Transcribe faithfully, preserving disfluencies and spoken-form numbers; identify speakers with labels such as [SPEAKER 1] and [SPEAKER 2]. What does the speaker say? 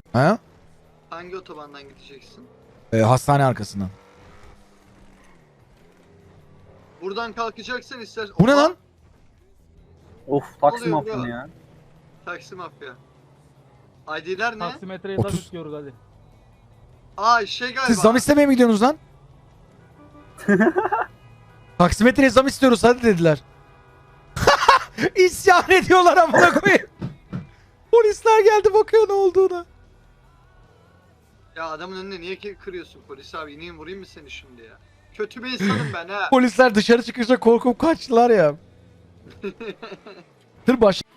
[SPEAKER 1] Ha?
[SPEAKER 2] Hangi otobandan gideceksin?
[SPEAKER 1] Ee, hastane arkasından.
[SPEAKER 2] Buradan kalkacaksan istersen...
[SPEAKER 1] Bu ne
[SPEAKER 2] Oha!
[SPEAKER 1] lan?
[SPEAKER 3] Of taksi
[SPEAKER 2] Oluyor
[SPEAKER 3] mafyanı
[SPEAKER 2] bro.
[SPEAKER 3] ya.
[SPEAKER 2] Taksi mafya. I D'ler ne?
[SPEAKER 4] Taksimetreye zam
[SPEAKER 1] otuz.
[SPEAKER 4] istiyoruz hadi.
[SPEAKER 2] Aa şey galiba.
[SPEAKER 1] Siz zam istemeye mi gidiyorsunuz lan? Taksimetreye zam istiyoruz hadi dediler. İsyan ediyorlar amına koyayım. Polisler geldi bakıyor ne olduğuna.
[SPEAKER 2] Ya adamın önüne niye ki kırıyorsun polis abi? İneyim vurayım mı seni şimdi ya? Kötü bir insanım ben ha.
[SPEAKER 1] Polisler dışarı çıkınca korkup kaçtılar ya. Dur baş